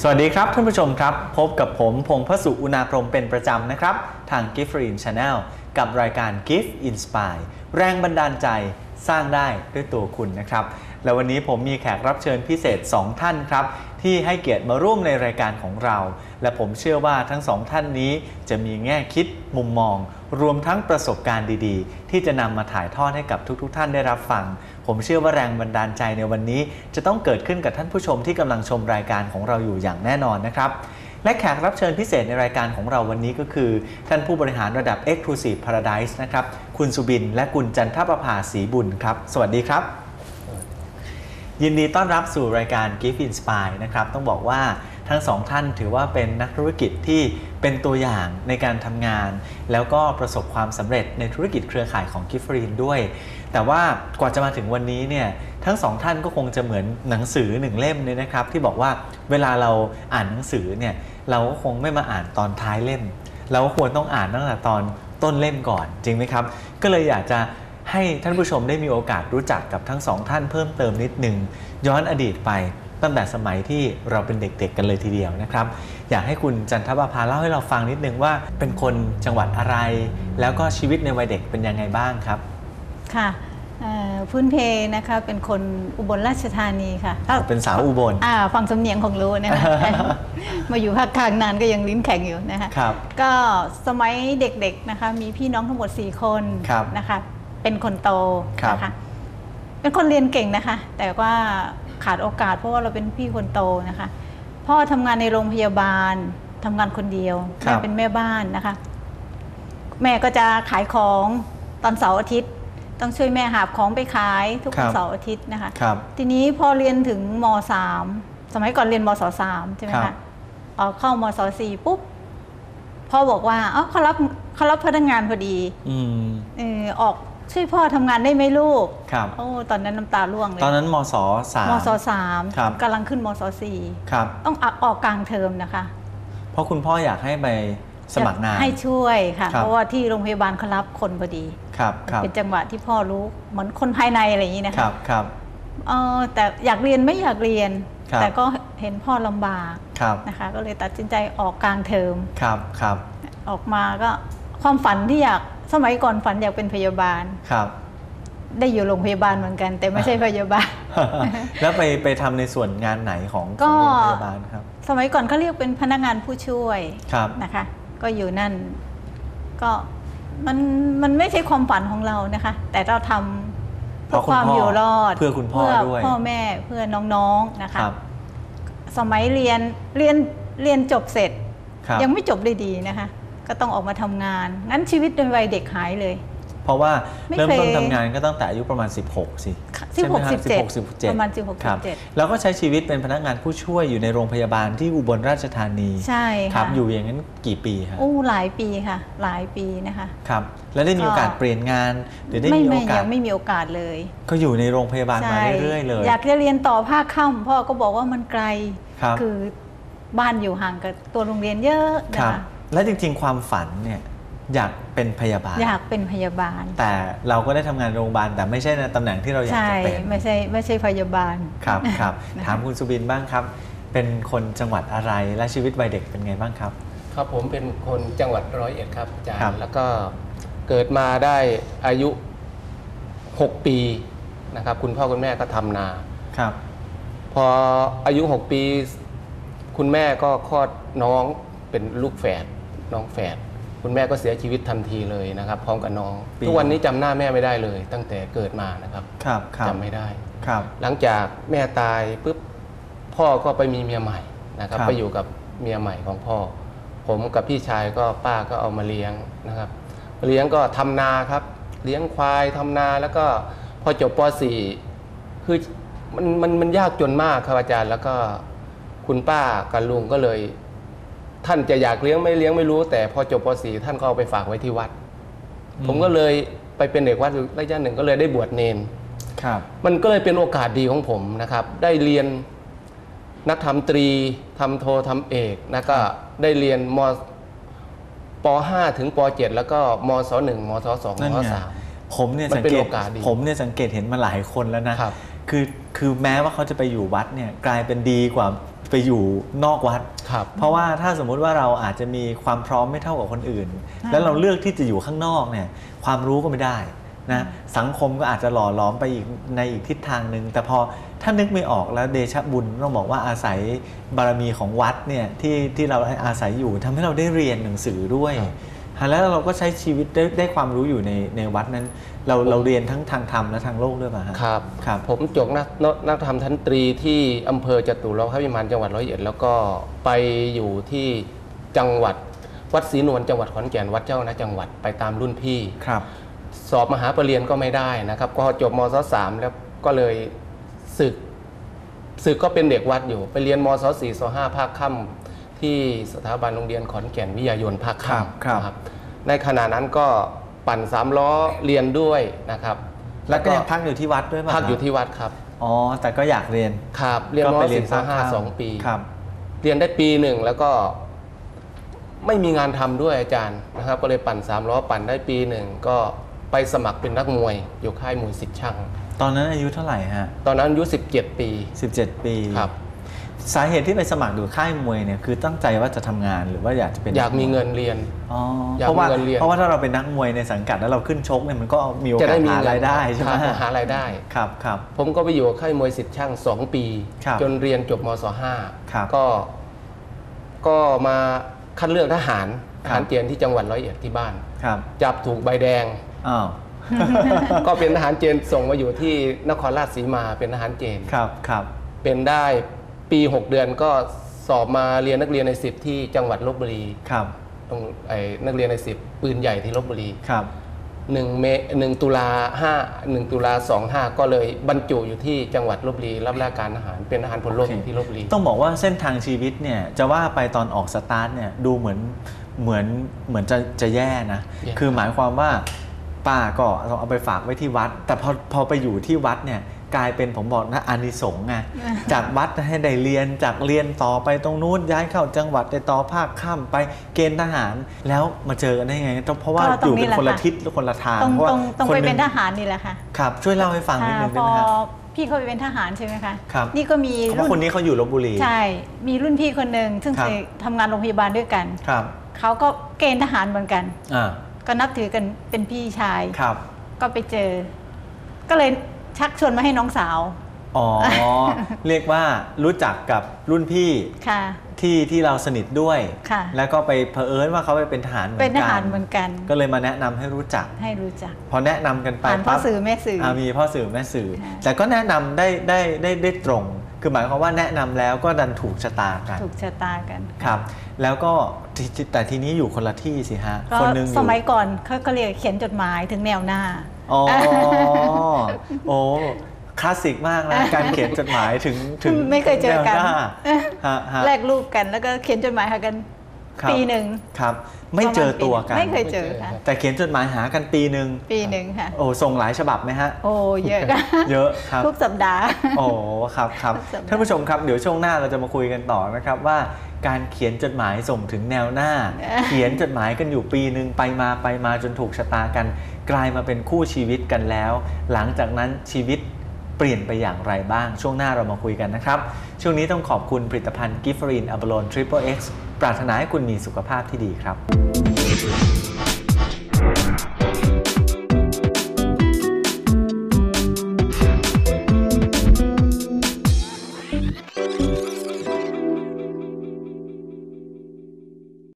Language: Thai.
สวัสดีครับท่านผู้ชมครับพบกับผมพงษ์พสุอุณาพรหมเป็นประจำนะครับทาง Gift Channel กับรายการ Gift Inspire แรงบันดาลใจสร้างได้ด้วยตัวคุณนะครับและวันนี้ผมมีแขกรับเชิญพิเศษ2ท่านครับที่ให้เกียรติมาร่วมในรายการของเราและผมเชื่อว่าทั้ง2ท่านนี้จะมีแง่คิดมุมมองรวมทั้งประสบการณ์ดีๆที่จะนำมาถ่ายทอดให้กับทุกๆท่านได้รับฟังผมเชื่อว่าแรงบันดาลใจในวันนี้จะต้องเกิดขึ้นกับท่านผู้ชมที่กำลังชมรายการของเราอยู่อย่างแน่นอนนะครับและแขกรับเชิญพิเศษในรายการของเราวันนี้ก็คือท่านผู้บริหารระดับ Exclusive Paradise นะครับคุณสุบินและคุณจันทประภาศรีบุญครับสวัสดีครับยินดีต้อนรับสู่รายการ Gift Inspire นะครับต้องบอกว่าทั้งสองท่านถือว่าเป็นนักธุรกิจที่เป็นตัวอย่างในการทำงานแล้วก็ประสบความสำเร็จในธุรกิจเครือข่ายของ Gift ด้วยแต่ว่ากว่าจะมาถึงวันนี้เนี่ยทั้งสองท่านก็คงจะเหมือนหนังสือ1เล่มเนี่ยนะครับที่บอกว่าเวลาเราอ่านหนังสือเนี่ยเราก็คงไม่มาอ่านตอนท้ายเล่มเราก็ควรต้องอ่านตั้งแต่ตอนต้นเล่มก่อนจริงไหมครับก็เลยอยากจะให้ท่านผู้ชมได้มีโอกาสรู้จักกับทั้งสองท่านเพิ่มเติมนิดนึงย้อนอดีตไปตั้งแต่สมัยที่เราเป็นเด็กๆกันเลยทีเดียวนะครับอยากให้คุณจันทประภาเล่าให้เราฟังนิดนึงว่าเป็นคนจังหวัดอะไรแล้วก็ชีวิตในวัยเด็กเป็นยังไงบ้างครับค่ะพื้นเพนะคะเป็นคนอุบลราชธานีค่ะเป็นสาวอุบลฟังสำเนียงของรู้นะคะ มาอยู่ภาคกลางนานก็ยังลิ้นแข็งอยู่นะคะก็สมัยเด็กๆนะคะมีพี่น้องทั้งหมด4คนนะคะเป็นคนโตนะคะเป็นคนเรียนเก่งนะคะแต่ว่าขาดโอกาสเพราะว่าเราเป็นพี่คนโตนะคะพ่อทำงานในโรงพยาบาลทำงานคนเดียวแม่เป็นแม่บ้านนะคะแม่ก็จะขายของตอนเสาร์อาทิตย์ต้องช่วยแม่หาของไปขายทุกเสาร์อาทิตย์นะคะทีนี้พอเรียนถึงม.3 สมัยก่อนเรียนมศ.3 ใช่ไหมคะเข้ามศ.4 ปุ๊บพ่อบอกว่าเขารับพนักงานพอดีออกช่วยพ่อทำงานได้ไหมลูกโอ้ตอนนั้นน้ำตาร่วงเลยตอนนั้นมศ .3 กำลังขึ้นมศ.4 ต้องออกกลางเทอมนะคะเพราะคุณพ่ออยากให้ไปสมัครงานให้ช่วยค่ะเพราะว่าที่โรงพยาบาลเขารับคนพอดีเป็นจังหวะที่พ่อรู้เหมือนคนภายในอะไรอย่างนี้นะคะแต่อยากเรียนไม่อยากเรียนแต่ก็เห็นพ่อลำบากนะคะก็เลยตัดสินใจออกกลางเทอมออกมาก็ความฝันที่อยากสมัยก่อนฝันอยากเป็นพยาบาลได้อยู่โรงพยาบาลเหมือนกันแต่ไม่ใช่พยาบาลแล้วไปทำในส่วนงานไหนของโรงพยาบาลครับสมัยก่อนเขาเรียกเป็นพนักงานผู้ช่วยนะคะก็อยู่นั่นก็มันไม่ใช่ความฝันของเรานะคะแต่เราทำเพื่อความอยู่รอดเพื่อคุณพ่อด้วยพ่อแม่เพื่อน้องๆนะคะสมัยเรียนจบเสร็จยังไม่จบได้ดีนะคะก็ต้องออกมาทำงานงั้นชีวิตในวัยเด็กหายเลยเพราะว่าเริ่มต้นทำงานก็ตั้งแต่อายุประมาณ16สิ 17ประมาณ16-17 แล้วก็ใช้ชีวิตเป็นพนักงานผู้ช่วยอยู่ในโรงพยาบาลที่อุบลราชธานีใช่ครับอยู่อย่างนั้นกี่ปีครับหลายปีค่ะหลายปีนะคะครับแล้วได้มีโอกาสเปลี่ยนงานหรือได้มีโอกาสยังไม่มีโอกาสเลยก็อยู่ในโรงพยาบาลมาเรื่อยๆเลยอยากจะเรียนต่อภาคค่ำพ่อก็บอกว่ามันไกลคือบ้านอยู่ห่างกับตัวโรงเรียนเยอะนะคะและจริงๆความฝันเนี่ยอยากเป็นพยาบาลอยากเป็นพยาบาลแต่เราก็ได้ทำงานโรงพยาบาลแต่ไม่ใช่ในตำแหน่งที่เราอยากจะเป็นไม่ใช่พยาบาลครับถามคุณสุบินบ้างครับเป็นคนจังหวัดอะไรและชีวิตวัยเด็กเป็นไงบ้างครับครับผมเป็นคนจังหวัด101ครับอาจารย์แล้วก็เกิดมาได้อายุ6ปีนะครับคุณพ่อคุณแม่ก็ทำนาครับพออายุ6ปีคุณแม่ก็คลอดน้องเป็นลูกแฝดน้องแฝดคุณแม่ก็เสียชีวิตทันทีเลยนะครับพร้อมกับน้องทุกวันนี้จำหน้าแม่ไม่ได้เลยตั้งแต่เกิดมานะครับจำไม่ได้หลังจากแม่ตายปุ๊บพ่อก็ไปมีเมียใหม่นะครับไปอยู่กับเมียใหม่ของพ่อผมกับพี่ชายก็ป้าก็เอามาเลี้ยงนะครับเลี้ยงก็ทำนาครับเลี้ยงควายทำนาแล้วก็พอจบป .4 คือมันยากจนมากครับอาจารย์แล้วก็คุณป้ากับลุงก็เลยท่านจะอยากเลี้ยงไม่รู้แต่พอจบป .4 ท่านก็เอาไปฝากไว้ที่วัดผมก็เลยไปเป็นเด็กวัดระยะหนึ่งก็เลยได้บวชเนนมันก็เลยเป็นโอกาสดีของผมนะครับได้เรียนนักธรรมตรีทำโททำเอกแล้วก็ได้เรียนป .5 ถึงป .7 แล้วก็มศ.1 มศ.2 มศ.3 ผมเนี่ยสังเกตเห็นมาหลายคนแล้วนะคือแม้ว่าเขาจะไปอยู่วัดเนี่ยกลายเป็นดีกว่าไปไปอยู่นอกวัดครับเพราะว่าถ้าสมมุติว่าเราอาจจะมีความพร้อมไม่เท่ากับคนอื่น แล้วเราเลือกที่จะอยู่ข้างนอกเนี่ยความรู้ก็ไม่ได้นะสังคมก็อาจจะหล่อหลอมไปอีกในอีกทิศทางหนึ่งแต่พอถ้านึกไม่ออกแล้วเดชะบุญต้องบอกว่าอาศัยบารมีของวัดเนี่ยที่เราอาศัยอยู่ทำให้เราได้เรียนหนังสือด้วยแล้วเราก็ใช้ชีวิตได้ความรู้อยู่ในวัดนั้นเราเรียนทั้งทางธรรมและทางโลกด้วยป่ะครับครับผมจบนักธรรมชั้นตรีที่อำเภอจตุรพิมานจังหวัดร้อยเอ็ดแล้วก็ไปอยู่ที่จังหวัดวัดศรีนวลจังหวัดขอนแก่นวัดเจ้าคณะจังหวัดไปตามรุ่นพี่ครับสอบมหาปรริญญาก็ไม่ได้นะครับก็จบมศ.3 แล้วก็เลยศึกก็เป็นเด็กวัดอยู่ไปเรียนมศ.4 ศ.5 ภาคค่ำที่สถาบันโรงเรียนขอนแก่นวิทยายนภาคค่ำครับในขณะนั้นก็ปั่น3 ล้อเรียนด้วยนะครับแล้วก็ยังพักอยู่ที่วัดด้วยป่ะพักอยู่ที่วัดครับอ๋อแต่ก็อยากเรียนครับเรียนมศ.4 ศ.5 2 ปีครับเรียนได้ปีหนึ่งแล้วก็ไม่มีงานทำด้วยอาจารย์นะครับก็เลยปั่น3 ล้อปั่นได้ปีหนึ่งก็ไปสมัครเป็นนักมวยอยู่ค่ายมวยสิทธิ์ช่างตอนนั้นอายุเท่าไหร่ฮะตอนนั้นอายุ17 ปี 17 ปีครับสาเหตุที่ไปสมัครอยู่ค่ายมวยเนี่ยคือตั้งใจว่าจะทำงานหรือว่าอยากจะเป็นอยากมีเงินเรียนเพราะว่าถ้าเราเป็นนักมวยในสังกัดแล้วเราขึ้นชกเนี่ยมันก็มีโอกาสหารายได้ใช่ไหมหารายได้ครับผมก็ไปอยู่ค่ายมวยสิทธิ์ช่าง2 ปีจนเรียนจบมศ.5 ก็มาคัดเลือกทหารเกณฑ์ที่จังหวัดร้อยเอ็ดที่บ้านจับถูกใบแดงก็เป็นทหารเกณฑ์ส่งมาอยู่ที่นครราชสีมาเป็นทหารเกณฑ์ครับเป็นได้ปี6 เดือนก็สอบมาเรียนนักเรียนใน10ที่จังหวัดลพบุรีครับตรงนักเรียนใน10ปืนใหญ่ที่ลพบุรีครับ 1 ตุลา25ก็เลยบรรจุอยู่ที่จังหวัดลพบุรีรับราชการทหารเป็นทหารพลโลกที่ลพบุรีต้องบอกว่าเส้นทางชีวิตเนี่ยจะว่าไปตอนออกสตาร์ทเนี่ยดูเหมือนจะแย่นะคือหมายความว่าป้าก็เอาไปฝากไว้ที่วัดแต่พอไปอยู่ที่วัดเนี่ยกลายเป็นผมบอกนะอานิสงส์ไงจากวัดให้ได้เรียนจากเรียนต่อไปตรงนู้นย้ายเข้าจังหวัดได้ต่อภาคค่ำไปเกณฑ์ทหารแล้วมาเจอกันได้ไงเพราะว่าอยู่เป็นคนละทิศคนละทางเพราะว่าต้องไปเป็นทหารนี่แหละค่ะครับช่วยเล่าให้ฟังนิดนึงได้ไหมครับพี่เขาไปเป็นทหารใช่ไหมคะครับนี่ก็มีเพราะคนนี้เขาอยู่ลพบุรีใช่มีรุ่นพี่คนหนึ่งซึ่งเคยทำงานโรงพยาบาลด้วยกันครับเขาก็เกณฑ์ทหารเหมือนกันก็นับถือกันเป็นพี่ชายครับก็ไปเจอก็เลยชักชวนมาให้น้องสาวเรียกว่ารู้จักกับรุ่นพี่ที่เราสนิทด้วยแล้วก็ไปเผอิญว่าเขาไปเป็นทหารเหมือนกันก็เลยมาแนะนำให้รู้จักพอแนะนำกันไปพ่อสื่อแม่สื่อมีพ่อสื่อแม่สื่อแต่ก็แนะนำได้ตรงคือหมายความว่าแนะนำแล้วก็ดันถูกชะตากันครับแล้วก็แต่ทีนี้อยู่คนละที่สิฮะคนนึงสมัยก่อนเขาเรียกเขียนจดหมายถึงแนวหน้าโอ้คลาสสิกมากนะการเขียนจดหมายถึงไม่เคยเจอกันแลกรูปกันแล้วก็เขียนจดหมายหากันปีหนึ่งครับไม่เจอตัวกันไม่เคยเจอค่ะแต่เขียนจดหมายหากันปีหนึ่งค่ะโอ้ส่งหลายฉบับไหมฮะโอ้เยอะเยอะครับทุกสัปดาห์โอ้ครับท่านผู้ชมครับเดี๋ยวช่วงหน้าเราจะมาคุยกันต่อนะครับว่าการเขียนจดหมายส่งถึงแนวหน้าเขียนจดหมายกันอยู่ปีหนึ่งไปมาจนถูกชะตากันกลายมาเป็นคู่ชีวิตกันแล้วหลังจากนั้นชีวิตเปลี่ยนไปอย่างไรบ้างช่วงหน้าเรามาคุยกันนะครับช่วงนี้ต้องขอบคุณผลิตภัณฑ์กิฟฟรีนอะโบโลนทริปเปิลเอ็กซ์ปรารถนาให้คุณมีสุขภาพที่ดีครับ